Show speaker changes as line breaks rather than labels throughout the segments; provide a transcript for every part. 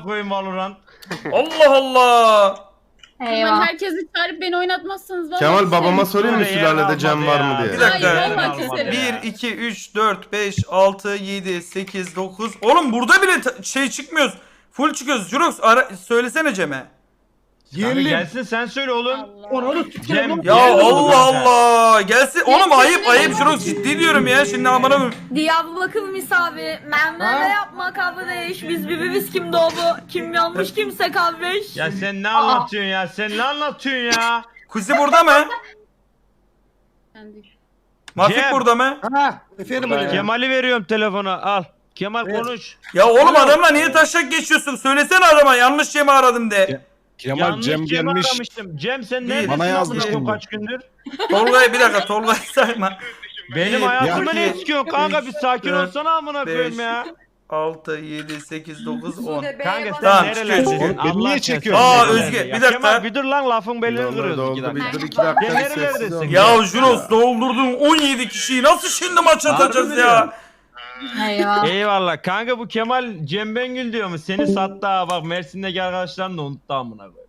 koyayım Valorant.
Allah Allah.
Kemal
Eyvah.
herkesi çağırıp beni oynatmazsanız vallahi
Kemal babama
küserim.
sorayım mı
Öyle
sülalede
yer
cam
kalmadı
var mı
ya.
diye.
Bir dakika.
Hayır, vallahi keserim.
1, 2, 3, 4, 5, 6, 7, 8, 9. Oğlum burada bile şey çıkmıyoruz. Full çıkıyoruz. Jurox söylesene Cem'e.
Kanka gelsin sen söyle oğlum. Cem.
Ya
gel oğlum
Allah
sen.
Allah. Gelsin. Oğlum ayıp
ne
ayıp
olur?
Jurox ciddi diyorum ya. Şimdi amına koyayım.
Diyarbakır misafiri. Memleme yapma kardeş. Biz birbiriz kim doğdu. Kim yanlış kimse kardeş.
Ya sen ne anlatıyorsun ya? Sen ne anlatıyorsun ya?
Kuzi burada mı?
Kendi.
Mafik
Cem.
burada mı?
Ha, efendim hocam.
Kemal'i veriyorum telefona al. Kemal
Ver.
konuş.
Ya oğlum adamla niye taşak geçiyorsun? Söylesene adama yanlış Cem'i aradım de.
Kemal
Yanlış
Cem
Cem
gelmiş.
aramıştım. Cem sen
Bir.
neredesin?
Bana yazmış
amına koyayım
şimdi.
kaç gündür?
Tolga'yı bir dakika Tolga'yı sayma.
Benim
Bir,
hayatımı
iki,
ne istiyorsun kanka bir sakin
dört,
olsana amına koyayım ya.
6, 7, 8, 9, 10.
Kanka sen
Tamam,
nerelerdesin?
çıkıyor.
Beni niye
Allah
çekiyorsun?
aşkına.
Aa, Özge,
Ya
bir dakika.
Kemal bir dur lan lafın belini
Doldu,
kırıyoruz
doldu,
2
bir
dakika.
dur 2 dakika
Ya
sessiz
nerelerdesin?
ol.
Ya Juros doldurdun 17 kişiyi nasıl şimdi maç atacağız ya?
Eyvah.
Eyvallah kanka bu Kemal Cem Bengül diyor mu? Seni sattı ha bak Mersin'deki arkadaşların da unuttu amına koyayım.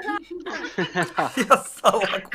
Ya salak.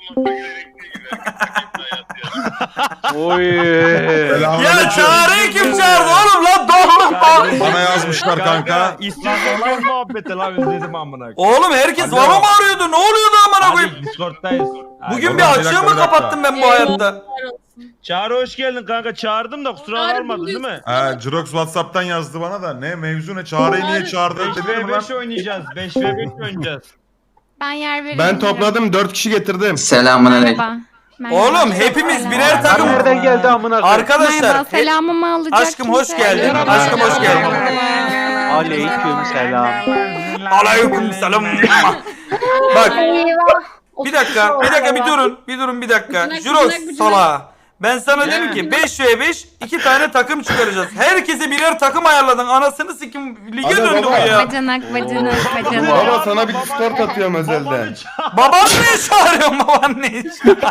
Ya çağrıyı kim çağırdı oğlum lan doğruluk lan.
Bana yazmışlar kanka.
İstiyorsan muhabbete lan özledim amına koyayım.
Oğlum herkes bana mı arıyordu? Ne oluyordu amına koyayım?
Hadi Discord'dayız. Hadi.
Bugün
Oğlum,
bir
bir
açığı
dakika,
mı
bir dakika.
kapattım ben bu hayatta?
Çağrı hoş geldin kanka çağırdım da kusura
Çağrı
kalmadın değil mi?
Jirox Whatsapp'tan yazdı bana da. Ne mevzu ne? Çağrı'yı niye çağırdı? Dedim lan.
5v5 oynayacağız. 5v5 oynayacağız.
Ben yer veririm.
Ben topladım 4 kişi getirdim.
Merhaba. Merhaba.
Oğlum hepimiz birer takım.
Nereden geldi amına koyayım?
Arkadaşlar.
Merhaba, selamımı alacak
Aşkım, hoş
kimse.
geldin.
Merhaba.
Aşkım, hoş geldin.
Aleyküm selam.
Aleyküm selam. Bak bir dakika bir durun bir dakika.
Bıcınak,
Juros
bıcınak, bıcınak.
sala. Ben sana dedim ki 5v5 2 tane takım çıkaracağız. Herkese birer takım ayarladın. Anasını sikim lige
Hadi
döndü bu
baba.
ya.
Bacanak bacanak bacanak.
Baba sana bir Discord atıyorum özelden.
Babanı çağır.
Baban ne çağırıyorsun baban ne?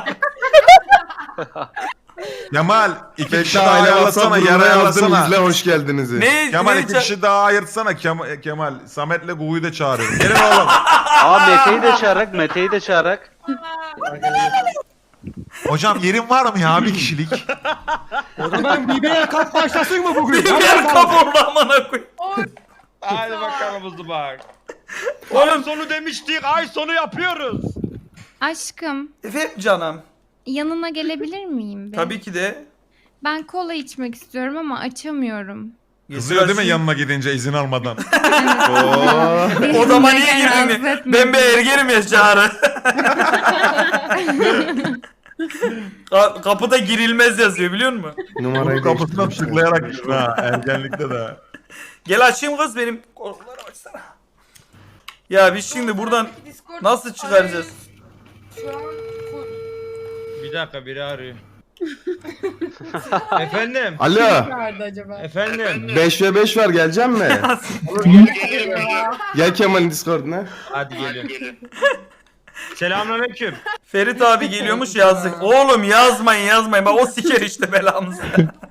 Kemal iki
Bekle
kişi daha
aile
ayarlasana.
WhatsApp
Yer
grubuna yazdım
ayarlasana.
izle hoş geldinizi.
Ne?
Kemal
ne
iki kişi daha ayırtsana Kemal. Samet'le Gugu'yu da çağırıyorum. Gelin oğlum.
Aa Mete'yi de çağırak, Mete'yi de çağırak.
Hocam yerin var mı ya bir kişilik?
O zaman BB'ye kalk başlasın mı bugün?
Bir yer kaporla amına koy.
Hadi bakalım hızlı bak.
Oğlum.
Ay sonu demiştik. Ay sonu yapıyoruz.
Aşkım
Efendim canım.
yanına gelebilir miyim?
Tabii ki de.
Ben kola içmek istiyorum ama açamıyorum.
Kızıyor değil mi yanına gidince izin almadan?
Oo.
Odama niye
Rahatsız
girdin?
etme.
Ben bir ergenim ya Çağrı. Kapıda girilmez yazıyor biliyor musun?
Numarayı
Kapısına
değiştirmişler.
tıklayarak girdin ha ergenlikte de.
Gel açayım kız benim korkuları açsana. Ya biz şimdi buradan nasıl çıkaracağız?
Bir dakika biri arıyor. Efendim.
Alo.
Nerede acaba?
Efendim.
5v5 var gelecek mi? Gel Kemal'in Discord'una.
Hadi gelin. Selamünaleyküm.
Ferit abi geliyormuş yazdık. Oğlum yazmayın. Bak o siker işte belamızı.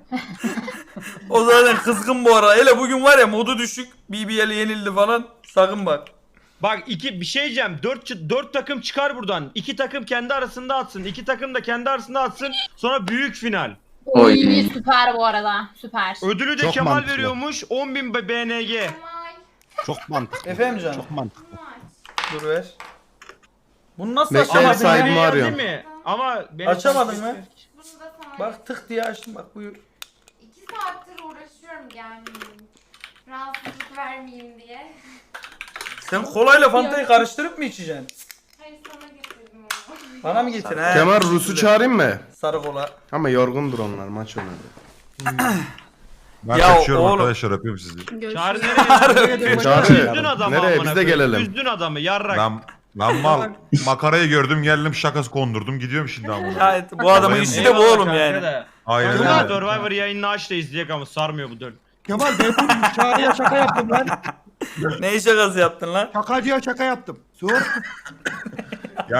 O zaten kızgın bu ara. Hele bugün var ya modu düşük. BBL yenildi falan. Sakın bak.
Bak bir şey diyeceğim. 4 takım çıkar buradan. 2 takım kendi arasında atsın. 2 takım da kendi arasında atsın. Sonra büyük final.
Oy süper bu arada. Süper.
Ödülü de
Çok
Kemal
mantıklı.
veriyormuş. 10.000 BNG.
Çok mantıklı.
Efendim canım.
Çok mantıklı.
Dur ver. Bunu nasıl
Bekle,
açamadın?
sahibimi
BNG
arıyorum.
değil mi? Ama beni
Açamadın mı?
Bunu da sana
Bak tık diye açtım bak buyur.
2 saattir uğraşıyorum gelmeyeyim. Rahatsızlık vermeyeyim diye.
Sen kolayla fantayı karıştırıp mı içeceksin?
Hayır sana getirdim onu.
Bana mı getir? He.
Kemal Rus'u çağırayım mı?
Sarı kola.
Ama yorgundur onlar maç oynadı.
Ben
Ya
kaçıyorum
oğlum.
arkadaşlar öpüyorum sizi.
Çağrı nereye?
Çağrı.
Üzdün adamı
Nereye?
amına
Biz de
koyayım.
gelelim.
Üzdün adamı yarrak.
Lan mal makarayı gördüm geldim şakası kondurdum gidiyorum şimdi ama.
Ya, bu adamın işi de bu
Eyvallah
oğlum
kanka
yani.
da.
Hayır
Kanka
öyle.
Survivor yayınını aç da izleyek ama sarmıyor bu dön.
Kemal ben Çağrı'ya şaka yaptım lan.
Ne şakası yaptın lan?
Şakacıya şaka yaptım. Sor.
Ya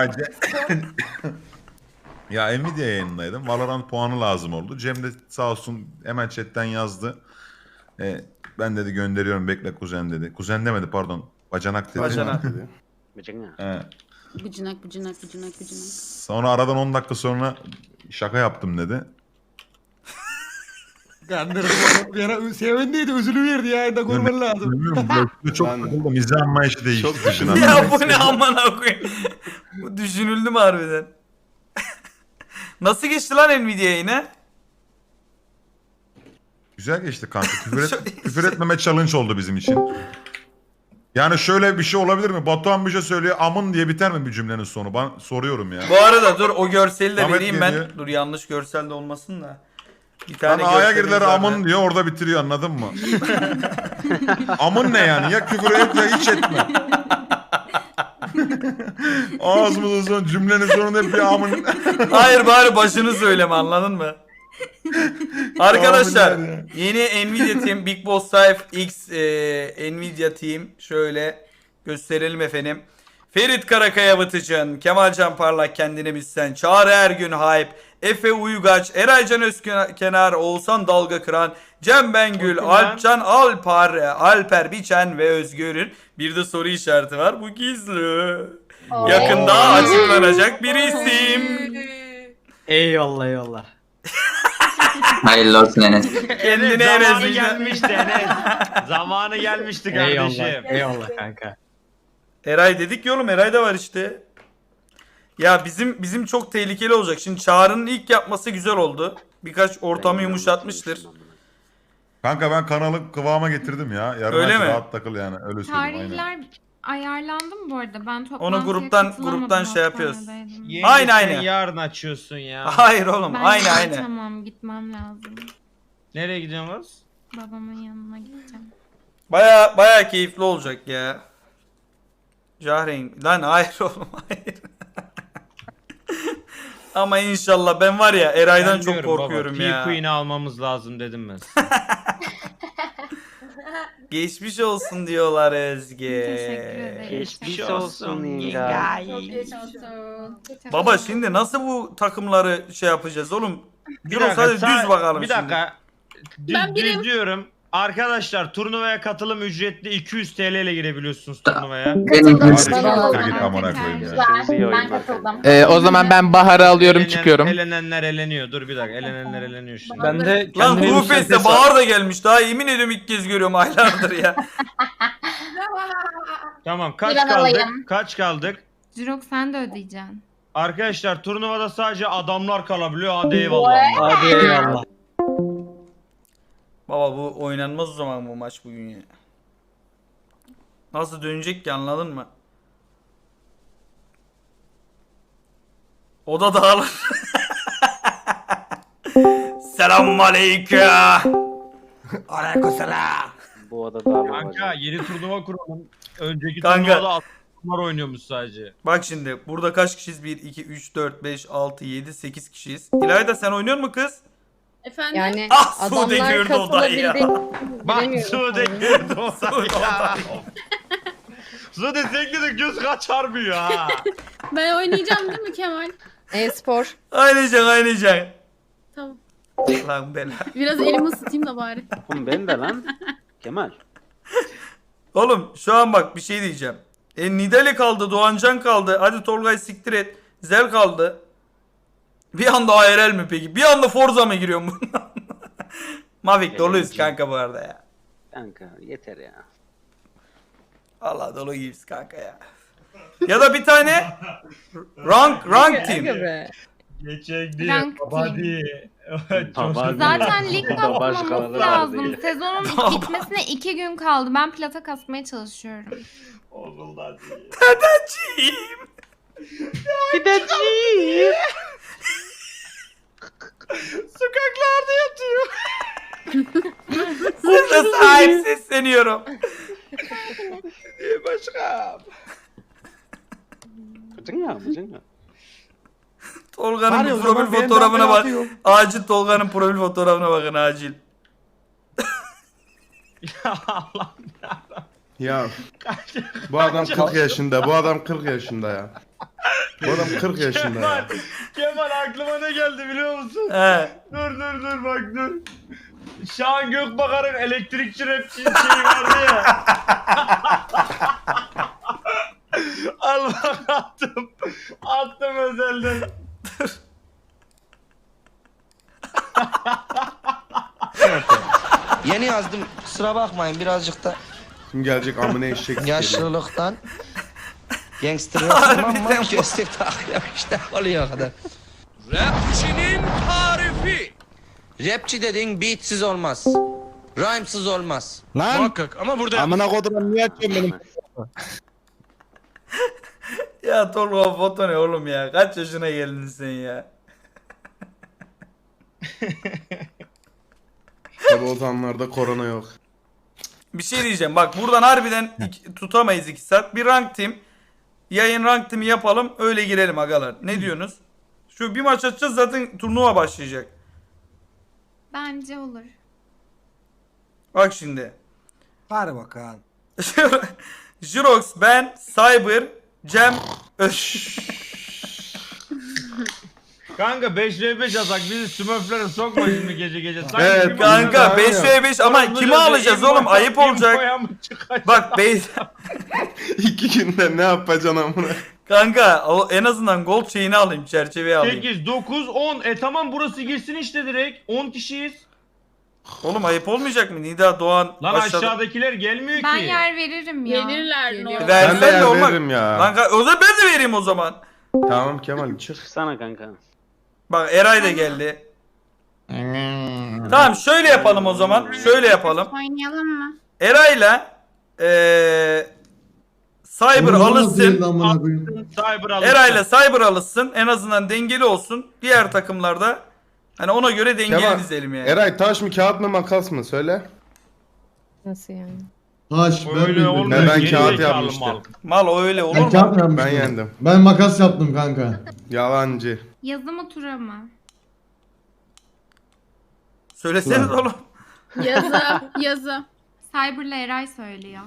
ya Nvidia yayınındaydım. Valorant puanı lazım oldu. Cem de sağ olsun hemen chatten yazdı. Ben dedi gönderiyorum bekle kuzen dedi. Kuzen demedi pardon. Bacanak dedi.
Bacanak.
He.
Bıcınak.
Sonra aradan 10 dakika sonra şaka yaptım dedi.
Kandırdım onu. Bir ara sevindiydi üzülüverdi ya. Da görmen lazım.
Bilmiyorum, çok
Ben-
takıldım. İzle anlayışı değişti.
Çok
Düşün
Ya bu ne amına koyayım. Bu düşünüldü mü harbiden? Nasıl geçti lan Nvidia yine?
Güzel geçti kanka. Küfür etmeme challenge oldu bizim için. Yani şöyle bir şey olabilir mi? Batuhan bir şey söylüyor. Amın diye biter mi bir cümlenin sonu? Ben soruyorum ya.
Bu arada dur o görseli de
Ahmet
vereyim ben.
geliyor.
Dur yanlış görsel de olmasın da. Bir
Lan
tane
A'ya
görselimiz
girdiler
var
amın
da.
diyor orada bitiriyor anladın mı? Amın ne yani? Ya küfür et ya hiç etme. Ağzımızın son cümlenin sonunda hep bir amın.
Hayır bari başını söyleme anladın mı? Arkadaşlar
Abiler ya.
yeni Nvidia Team Big Boss Life X Nvidia Team şöyle gösterelim efendim. Ferit Karakaya Batıcan, Kemalcan Parlak kendine bilsen, Çağrı Ergün Hype, Efe Uygaç, Eraycan Özkenar, Oğuzhan Dalga Kıran, Cem Bengül, Alpcan Alper Biçen ve Özgür'ün bir de soru işareti var. Bu gizli. Yakında açıklanacak bir isim.
Eyvallah.
Hayırlı olsun Enes.
Kendine
Zamanı
Enes
gelmişti Enes. Zamanı gelmişti kardeşim.
Eyvallah kanka.
Eray dedik ya oğlum Eray da var işte. Ya bizim çok tehlikeli olacak. Şimdi Çağrı'nın ilk yapması güzel oldu. Birkaç ortamı yumuşatmıştır.
Kanka ben kanalı kıvama getirdim ya. Yarın
Öyle
aç,
mi?
rahat takıl yani. Öyle söyleyeyim aynen.
Tarihler ayarlandı mı bu arada? Ben toplantıya
gruptan
katılamadım,
şey yapıyoruz.
hastanedeydim.
Yenge,
Aynen,
sen
aynen.
yarın açıyorsun ya.
Hayır oğlum
Ben
aynı.
Tamam gitmem lazım.
Nereye gidiyorsunuz?
Babamın yanına gideceğim.
Baya keyifli olacak ya. Cahreyn. Lan hayır oğlum hayır. Ama inşallah ben var ya Eray'dan
Ben
çok
diyorum
korkuyorum
baba,
ya.
T-Queen'i almamız lazım dedim ben.
Geçmiş olsun diyorlar Özge.
Teşekkür ederim.
Geçmiş olsun yenge.
Çok geçmiş olsun.
Baba şimdi nasıl bu takımları şey yapacağız oğlum?
Bir
Dur hadi düz bakalım
Bir
şimdi.
dakika.
Ben birim.
Düz diyorum. Arkadaşlar turnuvaya katılım ücretli 200 TL ile girebiliyorsunuz turnuvaya.
Benim
Katıldım.
hırsım.
Hadi git amına koyayım ya.
Güzel. Ben katıldım.
O zaman ben Bahar'ı alıyorum çıkıyorum.
Elenenler eleniyor. Dur bir dakika. Elenenler eleniyor şimdi.
Ben de
Lan
kendime
Kuru Fest'te
yükseltesi-
Bahar da gelmiş daha yemin ediyorum ilk kez görüyorum aylardır ya.
Tamam kaç
Ben
kaldık?
alayım.
Kaç kaldık?
Jirok sen de ödeyeceksin.
Arkadaşlar turnuvada sadece adamlar kalabiliyor. Hadi eyvallah.
Hadi eyvallah.
Baba bu oynanmaz o zaman bu maç bugün ya. Nasıl dönecek ki anladın mı? O da dağılır. Selamünaleyküm.
Aleykümselam.
Bu odada
Kanka yeni turnuva kuralım. Önceki
Kanka.
turnuvada adamlar oynuyormuş sadece.
Bak şimdi burada kaç kişiyiz? 1, 2, 3, 4, 5, 6, 7, 8 kişiyiz. İlayda sen oynuyor mu kız?
Efendim?
Yani
Ah Sude gördü odayı ya.
Bak Sude girdi o
Sude odayı.
Sude seninki de göz kaçarmıyor ha.
Ben oynayacağım değil mi Kemal?
E-spor.
Aynayacaksın.
Tamam.
Lan bela.
Biraz elimi ısıtayım da bari.
Oğlum ben de lan. Kemal.
Oğlum şu an bak bir şey diyeceğim. Nidale kaldı, Doğancan kaldı. Hadi Tolgay siktir et. Zel kaldı. Bir anda ARL mi peki? Bir anda Forza mı giriyorum bundan? Mavic doluyuz kanka bu arada ya.
Kanka yeter ya.
Allah dolu gibiyiz kanka ya. Ya da bir tane rank team.
Geçek diye.
Rank
Hadi.
Zaten lig basmamız
başkaları
lazım.
vardı.
Sezonun bitmesine 2 gün kaldı. Ben plata kasmaya çalışıyorum.
Oğlum
Tadacığım.
Gideceğim.
Sokaklarda yatıyor.
Size sahip sesleniyorum.
Başka.
Bıcın ya bıcın ya.
Tolga'nın
Hadi o
bir
zaman
profil
ben
fotoğrafına
de
bak.
atıyorum.
Acil Tolga'nın profil fotoğrafına bakın acil.
Ya Allah.
Ya bu adam 40 yaşında. Bu adam 40 yaşında ya. Bu adam 40 yaşında ya.
Kemal aklıma ne geldi biliyor musun?
He.
Dur bak dur. Şahan Gökbakar'ın elektrikçi rapçi şeyi vardı ya. Al bak attım. Attım özelden.
Yeni yazdım. Kusura bakmayın birazcık da
Şimdi gelecek amına eşek geliyor.
yaşlılıktan. Gangster yaptım ama gösterip takıyorum işte oluyor o kadar. Rapçinin tarifi. Rapçi dediğin beatsiz olmaz. Rhymesız olmaz. Lan. Muhakkak ama burada. Amına kodum niye açıyorsun benim?
Ya Tolga foto ne oğlum ya? Kaç yaşına geldin sen ya?
Tabi o zamanlarda korona yok.
Bir şey diyeceğim. Bak buradan harbiden tutamayız 2 saat. Bir rank team. Yayın rank team'i yapalım. Öyle girelim agalar. Ne diyorsunuz? Şu bir maç atacağız zaten turnuva başlayacak.
Bence olur.
Bak şimdi.
Hadi bakalım.
Jirox, ben, Cyber, Cem,
Kanka 5v5 yazak bizi smurflere sokma şimdi gece gece. Sanki
Evet,
bir
kanka
Aynen.
5v5 ama kimi alacağız oğlum? Ayıp olacak. Bak
İki günde ne yapacaksın amına?
kanka o en azından gold şeyini alayım, çerçeveyi alayım.
8, 9, 10. Tamam burası girsin işte direkt. 10 kişiyiz.
Oğlum ayıp olmayacak mı? Nida, Doğan
Lan
aşağıda.
aşağıdakiler gelmiyor
Ben
ki.
yer veririm ya.
Gelirler
Geliyor.
normal.
Ben de
Versen de
yer
olmak.
veririm ya.
Kanka o zaman ben de vereyim o zaman.
Tamam Kemal çık.
Çıksana kanka.
Bak Eray da geldi. Tamam şöyle yapalım o zaman. Şöyle yapalım.
Oynayalım mı?
Eray'la Cyber alışsın.
Cyber alın.
Eray'la Cyber alışsın. En azından dengeli olsun. Diğer takımlarda hani ona göre dengeli
Kemal,
dizelim yani.
Eray taş mı kağıt mı makas mı söyle.
Nasıl yani?
Taş
Öyle olmuyor.
Ben
geri
kağıt
zekalı
yapmıştım.
mal.
Mal o öyle olur
Ben
mu?
kağıt mı yapmıştım?
Ben yendim.
Ben makas yaptım kanka.
Yalancı.
Yazı mı tura mı?
Söyleseniz
Ulan.
oğlum.
Yazı.
Cyber'la Eray söylüyor.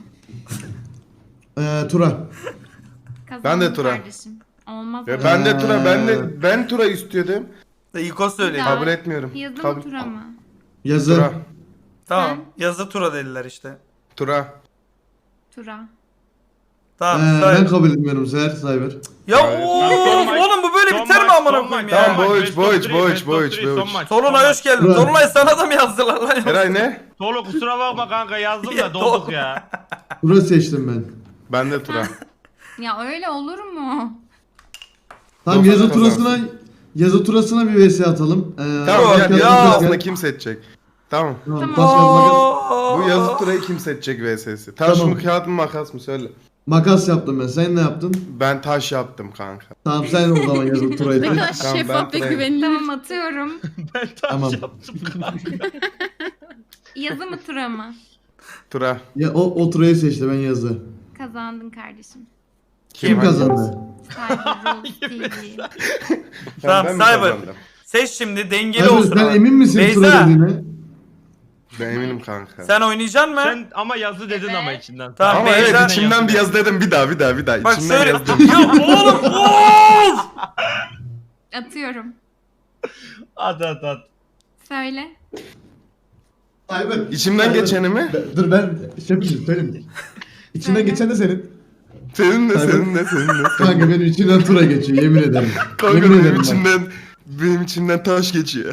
Tura.
Kazandın
Ben de tura.
Kardeşim. Olmaz
Ya
öyle.
ben de tura ben tura istiyordum.
İko söyledi.
Daha-
Kabul etmiyorum.
Yazı mı
Kabul.
tura mı?
Yazı.
Tura.
Tamam. Yazı tura dediler işte.
Tura.
Tura.
Tamam.
Ben
Cyber.
kabul etmiyorum Seher Cyber.
Ya
Hayır.
of, oğlum bu böyle
Son
biter mi
maç,
amına
son
koyayım
maç,
ya?
Tamam,
son maç,
boğuç,
best of
boğuç,
three,
boğuç,
best of
boğuç,
three,
boğuç.
son maç,
Tolunay
son
hoş
maç.
geldin.
Ulan.
Tolunay sana da mı yazdılar lan?
Eray ne?
Tolu kusura bakma kanka yazdım
Ya,
da dolduk ya.
Tura seçtim ben.
Ben de tura.
Ya öyle olur mu?
Tamam
Dokuz
yazı
kazansın.
turasına bir vs atalım.
Tamam
Yok,
ya
makas-
yazı
ya.
turasında kim seçecek? Tamam.
Tamam,
Tamam.
taş kağıt makas.
Bu yazı turayı kim seçecek vs'si? Taş
Tamam.
mı kağıt mı makas mı söyle.
Makas yaptım ben. Sen ne yaptın?
Ben taş yaptım kanka.
Tamam sen o zaman yazı turayı.
Ne kadar
Tamam,
şeffaf
ben
ve güvenilir.
Tamam atıyorum.
Ben taş
Tamam.
yaptım kanka.
Yazı mı tura mı?
Tura.
Ya o turayı seçti ben yazı.
Kazandın kardeşim.
Kim kazandı?
Cyber Rules TV.
Tamam,
ben mi
Cyber.
kazandım?
Seç şimdi dengeli
Cyber,
olsun
sen
abi.
emin misin
Beyza,
tura dediğine?
Ben eminim kanka.
sen oynayacaksın mı?
Sen ama yazı dedin ama içinden.
Tamam,
Ama
Beyza-
evet içimden bir yaz dedim bir daha.
Bak
İçimden
şöyle.
yazdım.
Ya oğlum of!
Atıyorum.
At.
Söyle.
Cyber.
İçimden geçeni mi?
Dur ben şey yapayım söyleyeyim. İçinden
Söyle.
geçen de senin.
Senin de
Cyber.
senin de senin de.
Kanka benim içinden tura geçiyor yemin ederim.
Kanka
yemin
benim
ederim bak.
benim içimden taş geçiyor.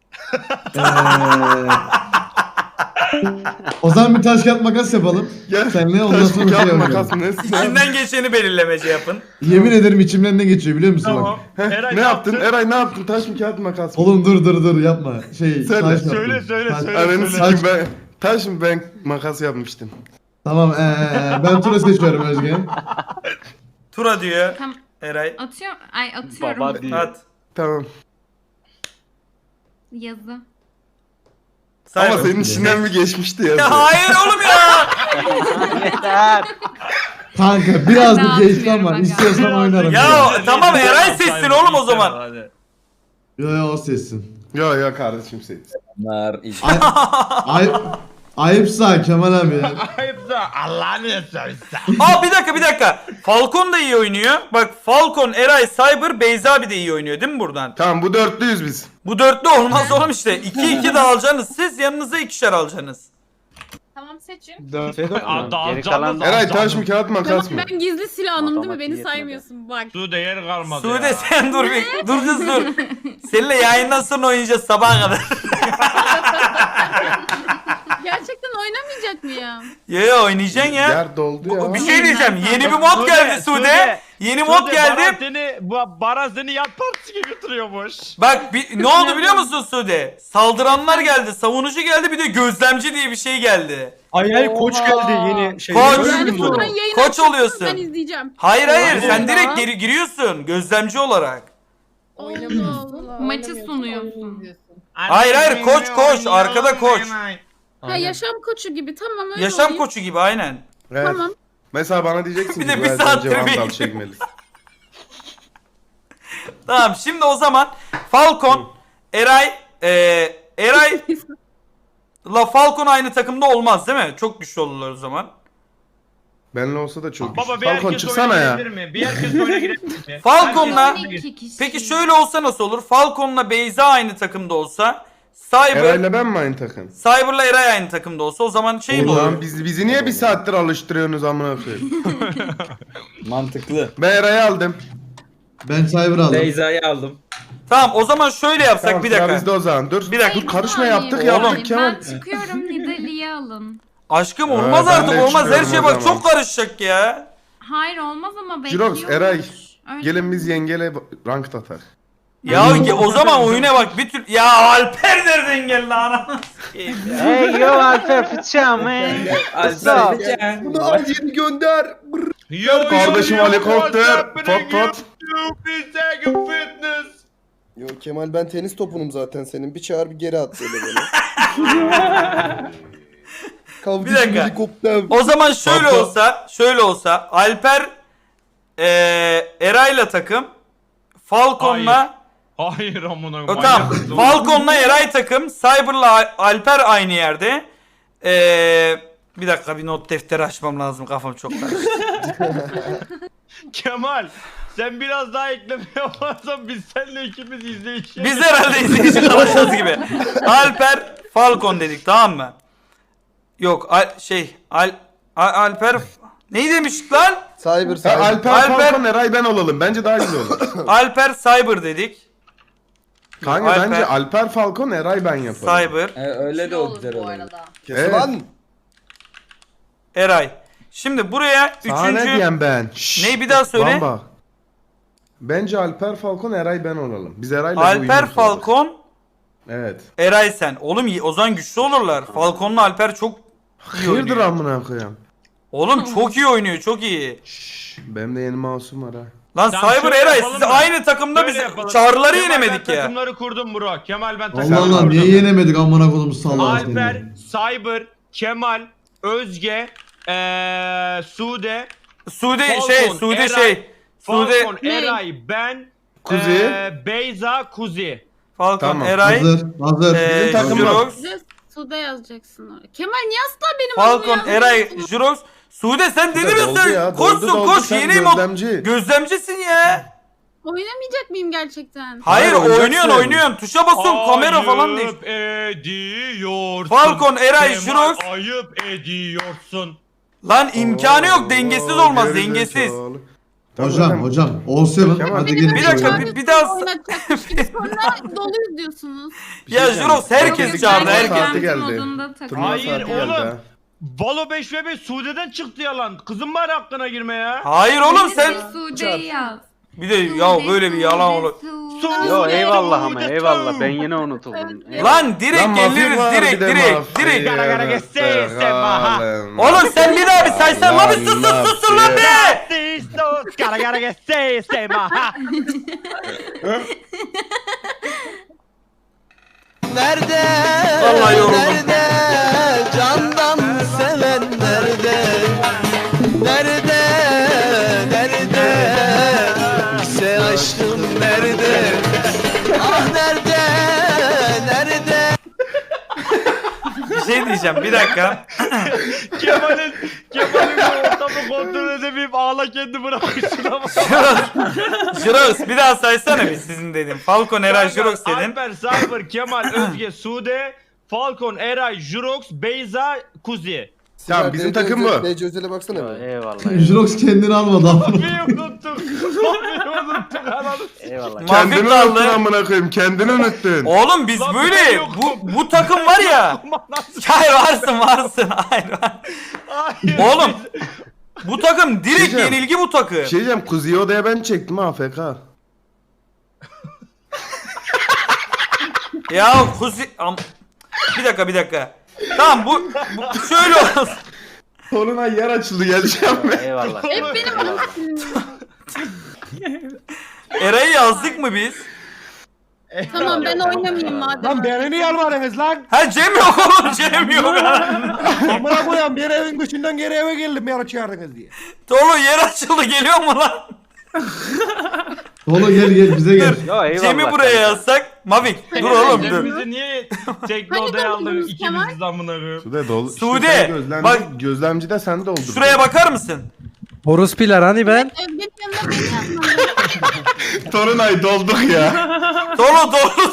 O zaman bir taş kağıt makas yapalım.
Gel.
Senle ondan
Taş
sonra
mı
şey
kağıt
yapalım.
makas mı ne?
İçinden geçeni belirlemece yapın.
Yemin ederim içimden ne geçiyor biliyor musun
Tamam.
bak.
Eray
Ne yaptın? Eray ne yaptın? Taş mı kağıt mı makas mı?
Oğlum dur yapma.
Söyle,
taş
söyle,
yaptım.
söyle,
Taş-
söyle.
Ananı sikeyim ben. Taş mı ben makas yapmıştım.
Tamam ben tura seçiyorum Özge.
Tura diyor
Tam
Eray.
atıyorum. Ay atıyorum.
Baba diyor.
At.
Tamam.
Yazı.
Cyber.
Ama senin içinden bir geçmişti ya.
Ya hayır oğlum ya.
Yeter.
Kanka biraz
Ben
bir geçti
atmıyorum
ama
aga.
istiyorsan oynarım.
Ya tamam Eray seçsin oğlum o zaman.
Hadi.
Yo o seçsin.
Yo kardeşim seç.
Ay
Ayıpsa Kemal abi ya.
Ayıpsa Allah'ını yesersen.
Aa bir dakika. Falcon da iyi oynuyor. Bak Falcon, Eray, Cyber, Beyza abi de iyi oynuyor değil mi buradan?
Tamam bu dörtlüyüz biz.
Bu dörtlü olmaz oğlum işte. 2-2 de alacaksınız. Siz yanınıza ikişer alacaksınız.
Tamam seçin.
Geri kalan
Eray taş mı kağıt makas
Tamam
mı?
ben gizli silahım değil mi?
Matematik
Beni
yetmedi.
saymıyorsun bak.
Su değer kalmadı
Sude
ya.
sen dur bir. Dur kız dur. Seninle yayından sonra oynayacağız sabaha kadar.
Gerçekten oynamayacak mıyım?
Ya oynayacaksın ya.
Yer doldu ya.
Bir şey diyeceğim. Yeni bir mod geldi Sude. Yeni mod geldi.
Baran seni yat partisi gibi götürüyormuş.
Bak ne oldu biliyor musun Sude? Saldıranlar geldi, savunucu geldi, bir de gözlemci diye bir şey geldi.
Ay koç geldi yeni şey.
Koç.
Yani buradan yayın
Koç
açarsanız
oluyorsun.
Ben izleyeceğim.
Hayır
Allah.
sen direkt giriyorsun gözlemci olarak.
Allah Allah.
Maçı sunuyorsun.
Hayır, koç, arkada koç.
Ha yaşam koçu gibi tamam öyle
Yaşam
olayım.
koçu gibi aynen.
Evet.
Tamam.
Mesela bana diyeceksin
Bir
ki
de
bu
bir
elden
saattir
Vandal
bekliyorum.
çekmelisin.
Tamam şimdi o zaman Falcon, Eray la Falcon aynı takımda olmaz değil mi? Çok güçlü olurlar o zaman.
Benle olsa da çok
Baba
güçlü.
bir
Falcon
herkes
çıksana
oyuna
ya.
girebilir mi? Bir herkes oyuna girebilir mi?
Falcon'la
Herkes-
12 kişi.
peki şöyle olsa nasıl olur? Falcon'la Beyza aynı takımda olsa, Cyber
Eray'la ben mi aynı takım?
Cyber'la Eray aynı takımda olsa o zaman şey mi olur?
Ulan bizi niye bir saattir alıştırıyorsunuz amına koyayım?
Mantıklı.
Ben Eray'ı aldım.
Ben Cyber aldım.
Beyza'yı aldım.
Tamam o zaman şöyle yapsak
Tamam
bir
sıra
dakika.
bizde o zaman. Dur.
Bir dakika.
Dur karışma yaptık
Oğlum.
yaptık Kemal.
Ben çıkıyorum Nidalee'yi alın.
Aşkım olmaz
ben
artık
de
olmaz her
çıkıyorum
şeye
o
bak
zaman.
çok karışacak ya.
Hayır olmaz ama bekliyoruz.
Jirox, Eray.
Öyle.
Gelin biz yengeyle rank atar.
Ya o zaman oyuna bak bir tür... Ya Alper nereden geldi anasını sikeyim ya.
Hey yo Alper fıçağım hey. Alper fıçağım.
Bunu al yeni gönder.
Yo,
Kardeşim
yo, yo,
helikopter.
what's happening,
Pot pot.
you second fitness.
Yo Kemal ben tenis topunum zaten senin. Bir çağır bir geri at böyle beni.
Bir dakika.
Helikopter.
O zaman şöyle olsa Alper Eray'la takım Falcon'la
Hayır amına
o tamam Falcon'la Eray takım Cyber'la Alper aynı yerde. Bir dakika bir not defteri açmam lazım kafam çok karıştı.
Kemal sen biraz daha ekleme yaparsan biz seninle ikimiz izleyeceğiz.
Biz herhalde izleyici kalacağız gibi. Alper Falcon dedik tamam mı? Yok Alper neyi demiştik lan?
Cyber.
Alper Falcon Eray ben olalım. Bence daha güzel olur.
Alper Cyber dedik.
Kanka
Alper.
bence Alper Falcon Eray ben yaparım.
Cyber,
Öyle de o güzel olur.
Evet.
Lan.
Eray. Şimdi buraya
Sana ne
üçüncü...
diyeyim ben? Şşş.
Neyi bir daha söyle.
Bamba. Bence Alper Falcon Eray ben olalım. Biz Eray'la bu
Alper
uyumlu
Falcon,
Evet.
Eray sen. Oğlum o zaman güçlü olurlar. Falcon'la Alper çok iyi
Hayırdır
oynuyor.
amına koyayım.
Oğlum çok iyi oynuyor, çok iyi.
Şşş. Benim de yeni mouse'um var ha.
Lan
Tamam,
Cyber
şöyle
Eray
yapalım
siz
mı?
aynı takımda
Şöyle
biz
yapalım.
çağrıları
Kemal,
yenemedik
ben
ya.
takımları kurdum bro. Kemal ben takımları
Allah Allah
kurdum.
niye yenemedik amına kodum salağı
Alper,
seni.
Cyber, Kemal, Özge, Sude,
Sude
Falcon, Eray,
Sude
Falcon, Eray, ben,
Kuzi.
Beyza, Kuzi.
Falcon,
Tamam.
Eray,
Hazır.
Bizim takım
Jurox,
Size Suda yazacaksın oraya. Kemal niye asla benim
Falcon,
adımı
Eray,
yazmıyorsun?
Jurox. Sude sen deli
Doldu
misin?
ya,
Koşsun
doldu,
koş
sen
yeni mod.
gözlemci.
Gözlemcisin ya.
Oynamayacak mıyım gerçekten?
Hayır
oynayacaksın.
oynuyorsun. Tuşa basıyorsun kamera falan değil.
Ayıp ediyorsun.
Falcon, Eray,
Kemal,
Jurox.
ayıp ediyorsun.
Lan imkanı yok dengesiz olmaz dengesiz.
Hocam. All7.
Kemal,
Hadi
Beni
gelin.
Bir dakika,
şöyle.
bir daha-
Oynatacakmış gibi sonra doluyuz diyorsunuz.
Ya Jurox herkes
Yok,
çağırdı
ben
herkes.
saati geldi.
Modunda takıl.
Turnuva
Hayır,
saati geldi
oğlum.
ha.
Valo 5v5 Sude'den çıktı yalan. Kızım bari hakkına girme ya.
Hayır oğlum sen
Sude'yi yaz.
bir de ya böyle bir yalan olur.
Sude,
Yo eyvallah ama
Sude,
eyvallah
Sude.
ben yine unutuldum.
Evet.
Lan direkt
Lan mafya
geliriz
var, bir
direkt
de
direkt
mafya.
direkt.
Gara gara getse, sema.
Oğlum sen bir daha bir saysan lan bir sus lan be.
Sistos, gara gara getse, sema.
Nerede?
Vallahi yoruldum.
Nerede? Candan seven nerede? Nerede? Nerede? Sen aşkım nerede? Ah nerede? Nerede?
Bir şey diyeceğim bir dakika.
Kemal'in bu ortamı kontrol edemeyip ağla kendi bırakmışsın ama.
Jirox bir daha saysana bir sizin dedim. Falcon, Eray, Jirox dedin.
Alper, Cyber, Kemal, Özge, Sude, Falcon, Eray, Jurox, Beyza, Kuzi.
Tamam bizim takım bu.
DC Özel'e baksana bir.
Eyvallah.
Jirox kendini almadı ama.
Abi unuttuk. Abi unuttuk ananı.
Eyvallah.
Kendini
Mafik
unuttun
kaldı.
amına koyayım. Kendini unuttun.
Oğlum biz
Lan ben
böyle
yokum.
bu takım var ya. Hayır varsın. Hayır.
Hayır.
Oğlum bu takım direkt
Diyeceğim.
yenilgi bu takım.
Bir şey diyeceğim. Kuzi'yi odaya ben çektim AFK.
Ya Kuzi bir dakika. Tamam bu şöyle olsun.
Soluna yer açıldı geleceğim ben.
Eyvallah.
Hep benim
Eyvallah.
Eray'ı yazdık mı biz?
Tamam ben oynamayayım madem.
Lan beni niye almadınız lan?
Ha Cem yok oğlum Cem yok.
Amına koyayım bir evin dışından geri eve geldim beni çağırdınız diye.
Tolu yer açıldı geliyor mu lan?
Oğlum gel bize gel.
Yo eyvallah.
Cem'i buraya yazsak. Mavik dur oğlum dur.
Bizi niye tekli
Hani
odaya aldın
doldurdunuz
ikimiz de amına koyayım.
Sude dolu.
Sude,
sen gözlemci,
bak-
gözlemci de sen de oldun.
Şuraya bakar mısın?
Horospiler hani ben?
Özge'nin yanına beni yazmadın.
Torunay dolduk ya.
Tolu.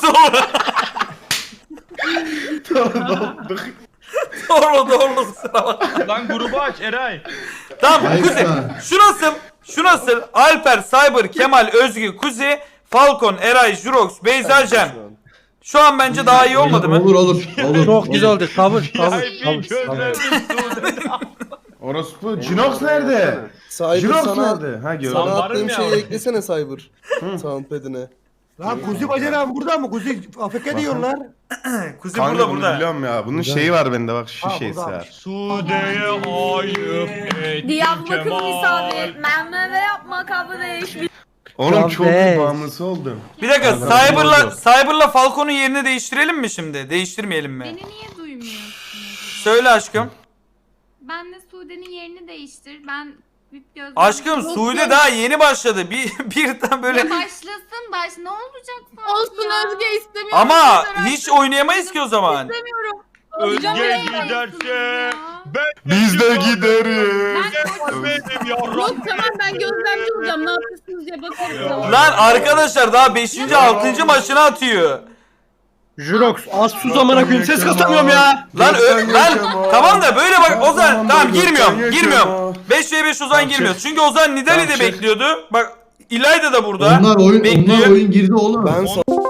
Dolduk.
Doğru kusura bak.
Lan grubu aç Eray.
Tamam
Ayıp
Kuzi.
ha.
Şu nasıl? Alper, Cyber, Kemal, Özgü, Kuzi, Falcon, Eray, Jurox, Beyza, Cem. Şu an bence daha iyi olmadı mı?
Olur.
Çok güzel oldu. Kabul.
Bir gözlerimiz Sude.
Orospu. Jinox nerede?
Cyber
Jinox
sana,
nerede? Ha gördüm.
sana
Lan varım
attığım
ya
şeyi
orada.
eklesene Cyber. Soundpad'ine.
Lan Kuzi bacanağım burada mı? Kuzi afk diyorlar.
Kuzi
Kanka
burada
bunu
burada.
biliyorum ya. Bunun şeyi var bende bak şu
Ha,
şeysi
burada.
var.
Sude'ye ayıp ettin
Diyarbakır
Kemal.
misafir. Memle yapma kardeş.
Oğlum çok iyi
Kardeş.
bağımlısı oldum.
Bir dakika
Tamam,
Cyber'la Falcon'un yerini değiştirelim mi şimdi? Değiştirmeyelim mi?
Beni niye duymuyorsunuz?
Söyle aşkım.
Ben de Sude'nin yerini değiştir. Ben bir gözüm...
Aşkım Suudi daha yeni başladı. Birden böyle
Ya başlasın ne olacak sonra
Olsun
ya?
Özge istemiyorum.
ama
Yeter
hiç
artık.
oynayamayız ki o zaman.
İstemiyorum.
Özge
Oynayamayız
giderse
ya.
ben
Biz de gideriz.
benim
Yok
yavrum.
tamam ben gözlemci olacağım. Ne yapıyorsunuz diye bakarım.
Lan arkadaşlar daha 5. 6. maçını atıyor.
Jurox az sus amına koyayım ses kasamıyorum ya.
Lan lan tamam da böyle bak Ozan
Tamam,
tamam
dur,
girmiyorum.
sen
Girmiyorum.
geçme.
5v5 Ozan girmiyor. Çünkü Ozan Nidali de
Tamam,
bekliyordu. Bak İlayda da burada.
Onlar
bekliyor.
oyun girdi oğlum.
Ben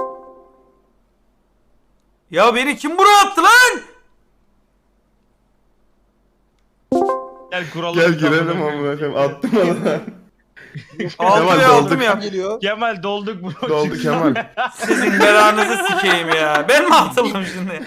Ya beni kim buraya attı lan?
Gel kuralım.
Gel girelim amına koyayım. Attım onu.
Aldım
Kemal
ya aldım
dolduk.
ya.
geliyor.
Kemal dolduk bro.
Doldu Kemal.
Sizin belanızı sikeyim ya. Ben mi atıldım şimdi?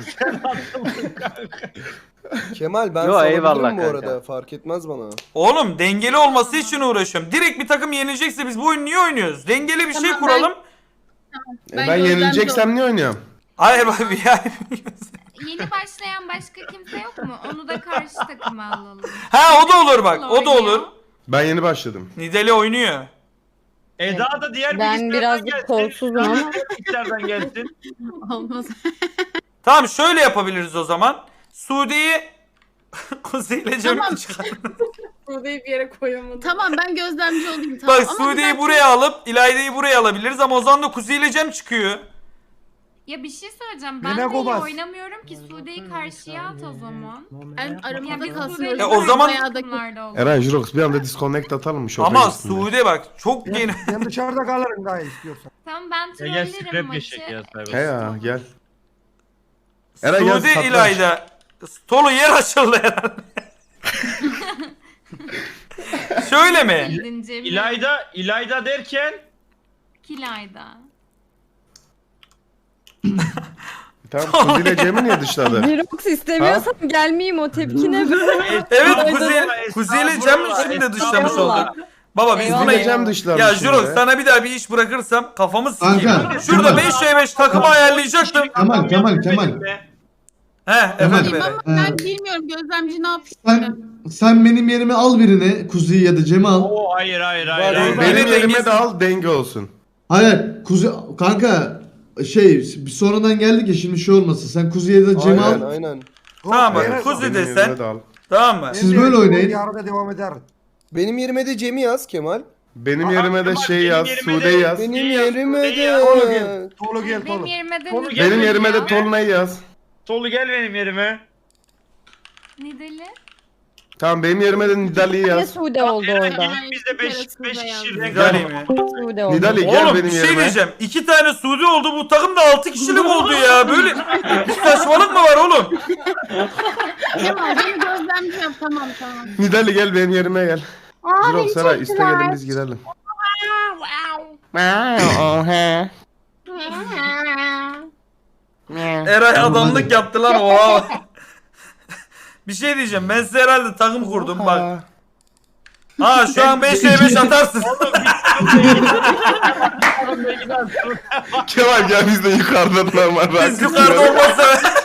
Kemal ben
Yo,
sana
eyvallah
bu
kanka.
arada. Fark etmez bana.
Oğlum dengeli olması için uğraşıyorum. Direkt bir takım yenilecekse biz bu oyunu niye oynuyoruz? Dengeli bir şey
Tamam,
kuralım.
Ben yenileceksem niye oynuyorum?
Hayır bak bir
Yeni başlayan başka kimse yok mu? Onu da karşı takıma alalım.
Ha o da olur bak. O da olur.
Ben yeni başladım.
Nidali oynuyor.
Eda da diğer
Ben
bilgisayardan
birazcık
gelsin.
kolsuzum ama.
Bilgisayardan gelsin.
Olmaz.
Tamam şöyle yapabiliriz o zaman. Suudi'yi Kuzey'le Cem'i
Tamam.
çıkar.
Sude'yi bir yere koyamadım. Tamam ben gözlemci olayım tamam.
Bak
Ama
Suudi'yi
bir
buraya alıp İlayda'yı buraya alabiliriz ama o zaman da Kuzey'le Cem çıkıyor.
Ya bir şey söyleyeceğim.
Yine
Ben de iyi
Gobaz.
oynamıyorum ki Sude'yi karşıya at o zaman.
Ben
Ya
aramızda
biz
kalsın.
Sude'yle
öyle
o zaman-
bayağı da-
takımlarda olalım.
Eren Jurox bir anda disconnect atalım mı?
Ama
üstünde?
Suudi bak çok yeni.
Ben dışarıda kalırım daha istiyorsan.
Tamam ben
Ya
trollerim
gel
maçı.
scrap geçecek ya.
He ya gel. Eren gel,
Suudi
satranç.
İlayda. Tolu yer açıldı herhalde. Şöyle mi?
Bildin Cem'i.
İlayda derken
Kilayda.
Tamam Kuzi ile Cem'i niye dışladı?
Jirox istemiyorsan gelmeyeyim o tepkine.
Evet
Estağfurullah,
Kuzey ile Cem
estağfurullah,
şimdi dışlamış
estağfurullah.
olduk. Baba biz
Eyvallah.
buna...
Yine Cem dışlamış.
Ya Jurox
şimdi.
sana bir daha bir iş bırakırsam kafamı sikeyim.
Kanka,
Şurada
Kemal.
5v5 takımı ayarlayacaktım.
Kemal.
He efendim
Benim
Eren.
ama ben bilmiyorum gözlemci ne yapıyor.
Sen benim yerime al birini. Kuzi'yi ya da Cem'i al.
Oo hayır.
Var,
hayır.
Benim
Beni
yerime
dengesiz-
de al denge olsun.
Hayır Kuzi kanka şey bir sonradan geldik ya şimdi şey olmasın. Sen Kuzi'ye de Cem'i
Aynen
al.
aynen.
Tamam
Beyler,
bak Kuzi
Benim
de
yerime
sen.
de al.
Tamam mı?
Siz böyle oynayın.
Yarın devam eder.
Benim yerime de Cem'i yaz Kemal.
Benim yerime de
Kemal,
şey
benim
yaz,
yerime
Sude
de-
yaz.
Benim
İyi
yerime
yaz, iyi
de...
yaz.
Tolu gel. Tolu gel
Benim
Tolu.
yerime de
Tolu
Nidali.
gel
Benim yerime de
ya.
Tolunay yaz.
Tolu gel benim yerime.
Nidali.
Tamam benim yerime de Nidali'yi
Ne
yaz.
Sude oldu orada?
Biz de 5 kişi renk
Nidali mi?
Sude oldu.
Nidali gel
Oğlum
benim
bir şey
yerime.
diyeceğim. 2 tane Suudi oldu bu takım da 6 kişilik oldu ya. Böyle bir saçmalık mı var oğlum?
Kemal beni gözlemci yap. Tamam.
Nidali gel benim yerime gel.
Aa
Jirok Saray iste gelin biz girelim.
Eray adamlık yaptı lan oha. Bir şey diyeceğim. Ben size herhalde takım kurdum bak. Ha şu an 5v5 atarsın.
Kemal gel biz de yukarıdan normal.
Biz yukarıda olmazsa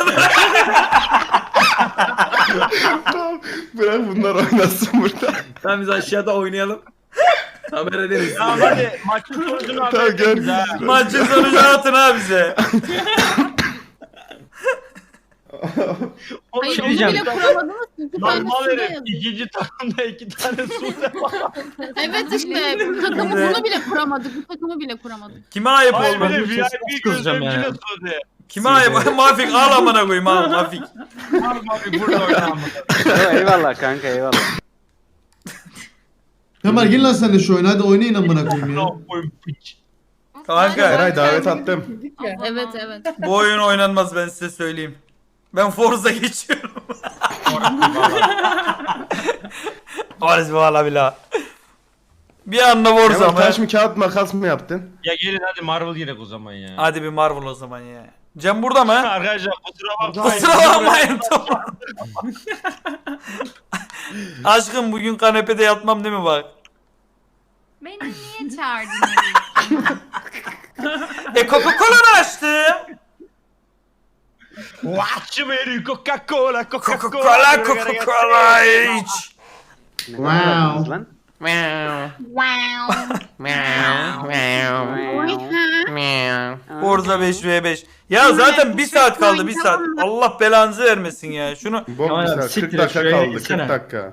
Bırak bunlar oynasın burada.
Tamam biz aşağıda oynayalım. Haber ederiz.
Tamam hadi maçın sonucunu
Tamam
haber
gel.
ederiz ha.
maçın sonucunu atın ha bize.
Oğlum
Hayır onu
diyeceğim.
bile kuramadınız. İki tane
Normal
suda
herif.
yazın.
İkinci takımda 2 tane Sude var.
Evet işte bu takımı bunu bile kuramadık. Bu takımı bile kuramadık.
Kime ayıp
Hayır bir de
olmadı?
VIP gözlemciyle Sude.
Kime ayıp? Mafik al amına koyayım al Mafik.
Abi burada oynanmadı.
Eyvallah kanka eyvallah.
Kemal gel lan sen de şu oyuna hadi oynayın amına koyayım ya.
Ne koyayım piç.
Kanka
Eray davet attım.
Evet.
bu oyun oynanmaz ben size söyleyeyim. Ben Forza geçiyorum. Orası valla bila. Bir anda Forza
Kemal
mı?
taş mı kağıt makas mı yaptın?
Ya gelin hadi Marvel girek o zaman ya.
Hadi bir Marvel o zaman ya. Cem burada mı?
Arkadaşlar kusura bakmayın.
Kusura bakmayın tamam. Aşkım bugün kanepede yatmam değil mi bak?
Beni niye çağırdın?
Coca-Cola'nı açtım.
Watch me Coca-Cola
Coca-Cola iç.
Wow.
Forza 5v5. Ya zaten 1 saat kaldı 1 saat. Allah belanızı vermesin ya. Şunu
Bok bir saat, 40 dakika kaldı 40 dakika.